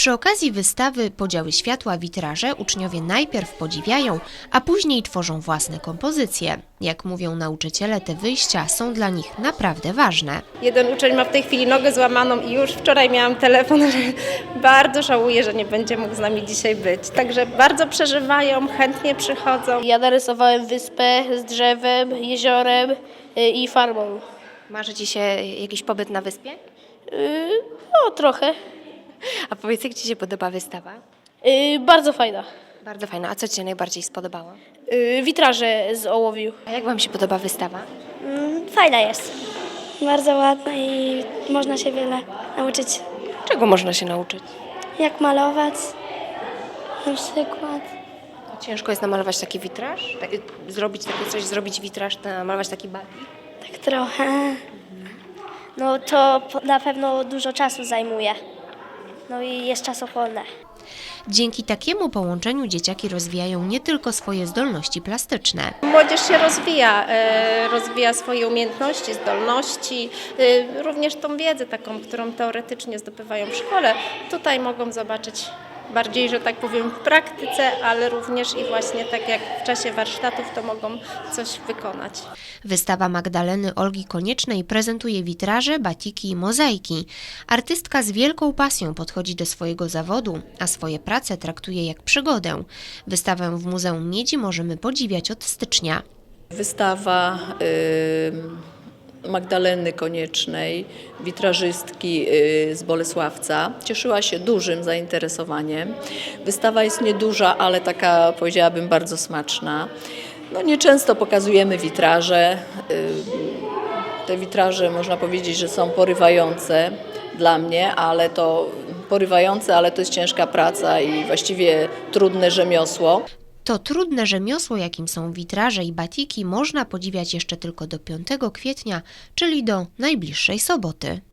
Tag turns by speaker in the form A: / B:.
A: Przy okazji wystawy Podziały światła, witraże uczniowie najpierw podziwiają, a później tworzą własne kompozycje. Jak mówią nauczyciele, te wyjścia są dla nich naprawdę ważne.
B: Jeden uczeń ma w tej chwili nogę złamaną i już wczoraj miałam telefon, że bardzo żałuje, że nie będzie mógł z nami dzisiaj być. Także bardzo przeżywają, chętnie przychodzą.
C: Ja narysowałem wyspę z drzewem, jeziorem i farmą.
A: Marzy Ci się jakiś pobyt na wyspie?
C: No trochę.
A: A powiedz, jak Ci się podoba wystawa?
C: Bardzo fajna.
A: Bardzo fajna. A co Ci się najbardziej spodobało?
C: Witraże z ołowiu.
A: A jak Wam się podoba wystawa?
D: Fajna jest. Bardzo ładna i można się wiele nauczyć.
A: Czego można się nauczyć?
D: Jak malować na przykład.
A: Ciężko jest namalować taki witraż? Zrobić takie coś, zrobić witraż, namalować taki batik?
D: Tak trochę. No to na pewno dużo czasu zajmuje. No i jest czasochłonne.
A: Dzięki takiemu połączeniu dzieciaki rozwijają nie tylko swoje zdolności plastyczne.
B: Młodzież się rozwija swoje umiejętności, zdolności, również tą wiedzę taką, którą teoretycznie zdobywają w szkole. Tutaj mogą zobaczyć bardziej, że tak powiem, w praktyce, ale również i właśnie tak jak w czasie warsztatów to mogą coś wykonać.
A: Wystawa Magdaleny Olgi Koniecznej prezentuje witraże, batiki i mozaiki. Artystka z wielką pasją podchodzi do swojego zawodu, a swoje prace traktuje jak przygodę. Wystawę w Muzeum Miedzi możemy podziwiać od stycznia.
E: Wystawa Magdaleny Koniecznej, witrażystki z Bolesławca, cieszyła się dużym zainteresowaniem. Wystawa jest nieduża, ale taka, powiedziałabym, bardzo smaczna. No, nieczęsto pokazujemy witraże. Te witraże, można powiedzieć, że są porywające dla mnie, ale to jest ciężka praca i właściwie trudne rzemiosło.
A: To trudne rzemiosło, jakim są witraże i batiki, można podziwiać jeszcze tylko do 5 kwietnia, czyli do najbliższej soboty.